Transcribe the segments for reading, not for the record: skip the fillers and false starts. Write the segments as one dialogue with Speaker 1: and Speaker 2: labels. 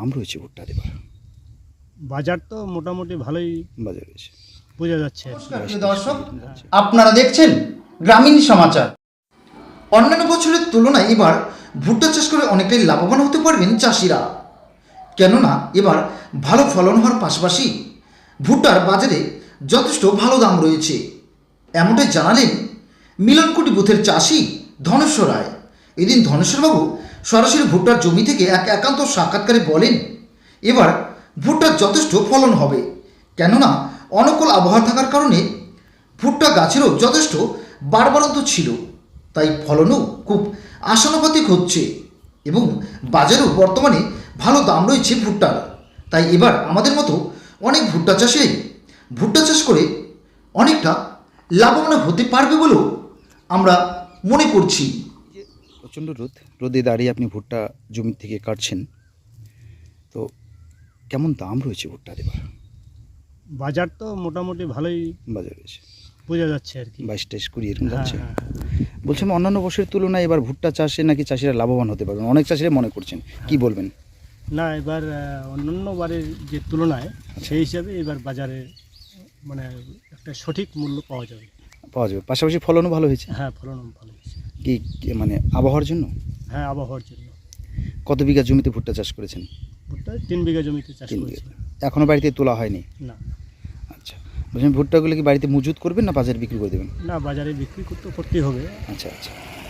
Speaker 1: দাম রয়েছে ভুট্টার এবার?
Speaker 2: বাজার তো মোটামুটি ভালোই
Speaker 1: বাজার রয়েছে।
Speaker 2: বোঝা যাচ্ছে আর কি।
Speaker 3: নমস্কার প্রিয় দর্শক, আপনারা দেখছেন গ্রামীণ সমাচার। অন্যান্য বছরের তুলনায় এবার ভুট্টা চাষ করে অনেকটাই লাভবান হতে পারবেন চাষিরা। কেননা এবার ভালো ফলন হওয়ার পাশাপাশি ভুট্টার বাজারে যথেষ্ট ভালো দাম রয়েছে, এমনটাই জানালেন মিলনকুটি বুথের চাষি ধনেশ্বর রায়। এদিন ধনেশ্বরবাবু সরাসরি ভুট্টার জমি থেকে এক একান্ত সাক্ষাৎকারে বলেন এবার ভুট্টার যথেষ্ট ফলন হবে, কেননা অনুকূল আবহাওয়া থাকার কারণে ভুট্টা গাছেরও যথেষ্ট বাড়বাড়ন্ত ছিল, তাই ফলনও খুব আশানুপাতিক হচ্ছে এবং বাজারেও বর্তমানে ভালো দাম রয়েছে ভুট্টার। তাই এবার আমাদের মতো অনেক ভুট্টা চাষে ভুট্টা চাষ করে অনেকটা লাভবান হতে পারবে বলেও আমরা মনে করছি।
Speaker 1: প্রচণ্ড রোদে দাঁড়িয়ে আপনি ভুট্টা জমি থেকে কাটছেন, তো কেমন দাম রয়েছে ভুট্টার এবার?
Speaker 2: বাজার তো মোটামুটি ভালোই
Speaker 1: বাজার রয়েছে
Speaker 2: বোঝা যাচ্ছে আর কি।
Speaker 1: 22-23-20 এরকম
Speaker 2: হ্যাঁ,
Speaker 1: যাচ্ছে।
Speaker 2: হ্যাঁ,
Speaker 1: বলছিলাম অন্যান্য বছরের তুলনায় এবার ভুট্টা চাষে নাকি চাষিরা লাভবান হতে পারবেন, অনেক চাষিরা মনে করছেন, কি বলবেন?
Speaker 2: না এবার অন্যান্য বারের যে তুলনায় সেই হিসাবে এবার বাজারে মানে একটা সঠিক মূল্য পাওয়া যাবে।
Speaker 1: পাওয়া যাবে, পাশাপাশি ফলনও ভালো হয়েছে।
Speaker 2: হ্যাঁ, ফলন ভালো হয়েছে।
Speaker 1: মানে আবহাওয়ার জন্য?
Speaker 2: হ্যাঁ, আবহাওয়ার জন্য।
Speaker 1: কত বিঘা জমিতে ভুট্টা চাষ করেছেন?
Speaker 2: ভুট্টা 3 বিঘা জমিতে চাষ
Speaker 1: 3
Speaker 2: করেছি।
Speaker 1: বিঘা। এখনও বাড়িতে তোলা হয়নি?
Speaker 2: না
Speaker 1: আচ্ছা, বলছেন ভুট্টাগুলো কি বাড়িতে মজুত করবেন না বাজারে বিক্রি করে দেবেন?
Speaker 2: না বাজারে বিক্রি করতেই হবে।
Speaker 1: আচ্ছা আচ্ছা,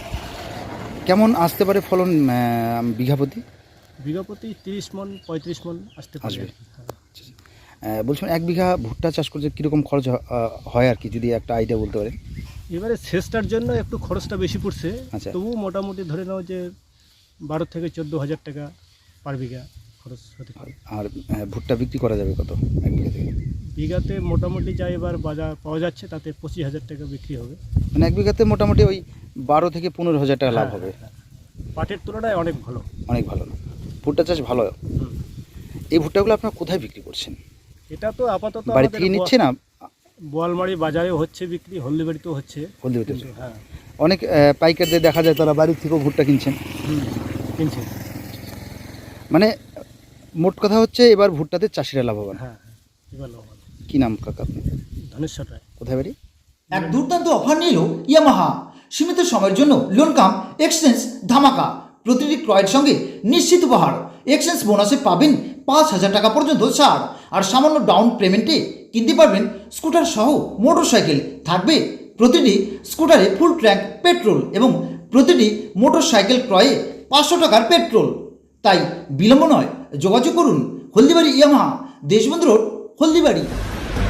Speaker 1: কেমন আসতে পারে ফলন বিঘা প্রতি?
Speaker 2: বিঘা প্রতি 30 মণ 35 মণ আসতে পারে
Speaker 1: আসবে।
Speaker 2: আর কি। হ্যাঁ।
Speaker 1: বলছিলাম 1 বিঘা ভুট্টা চাষ করতে কীরকম খরচ হয় আর কি, যদি একটা আইডিয়া বলতে পারেন?
Speaker 2: এবারে সেচটার জন্য একটু খরচটা বেশি পড়ছে,
Speaker 1: আচ্ছা।
Speaker 2: তবু মোটামুটি ধরে নাও যে 12 থেকে 14,000 টাকা পার বিঘা খরচ হতে পারে।
Speaker 1: আর ভুট্টা বিক্রি করা যাবে কত 1 বিঘা থেকে?
Speaker 2: বিঘাতে মোটামুটি যা এবার বাজার পাওয়া যাচ্ছে তাতে 25,000 টাকা বিক্রি হবে।
Speaker 1: মানে 1 বিঘাতে মোটামুটি ওই 12 থেকে 15,000 টাকা লাভ
Speaker 2: হ্যাঁ,
Speaker 1: হবে।
Speaker 2: হ্যাঁ। পাটের তুলনায় অনেক ভালো।
Speaker 1: অনেক ভালো না? ভুট্টা চাষ ভালো।
Speaker 2: হুম।
Speaker 1: এই ভুট্টাগুলো আপনারা কোথায় বিক্রি করছেন?
Speaker 2: এটা তো আপাতত
Speaker 1: বাড়ি
Speaker 2: আমাদের
Speaker 1: থেকে নিচ্ছে না?
Speaker 2: বোয়ালমারি বাজারেও হচ্ছে বিক্রি, হলদিবাড়িতেও হচ্ছে।
Speaker 1: হলদিবাড়িতে?
Speaker 2: হ্যাঁ,
Speaker 1: অনেক পাইকারদের দেখা যায় তারা বাড়ি থেকেও ভুট্টা কিনছেন।
Speaker 2: কিনছে।
Speaker 1: মানে মোট কথা হচ্ছে এবার ভুট্টাতে চাষিরা লাভবান।
Speaker 2: হ্যাঁ, এবার লাভবান।
Speaker 1: কি নাম কাকা আপনি?
Speaker 2: ধনেশ্বর রায়।
Speaker 1: কোথায় বাড়ি?
Speaker 3: এক দুর্দান্ত অফার নিল ইয়ামাহা। সীমিত সময়ের জন্য লোন কাম এক্সচেঞ্জ ধামাকা। প্রতিটি ক্রয়ের সঙ্গে নিশ্চিত উপহার। এক্সচেঞ্জ বোনাসে পাবেন 5,000 টাকা পর্যন্ত ছাড়, আর সামান্য ডাউন পেমেন্টে কিনতে পারবেন স্কুটার সহ মোটর সাইকেল। থাকবে প্রতিটি স্কুটারে ফুল ট্যাঙ্ক পেট্রোল এবং প্রতিটি মোটর সাইকেল ক্রয়ে 500 টাকার পেট্রোল। তাই বিলম্ব নয়, যোগাযোগ করুন হলদিবাড়ি ইয়ামাহা, দেশবন্ধু রোড, হলদিবাড়ি।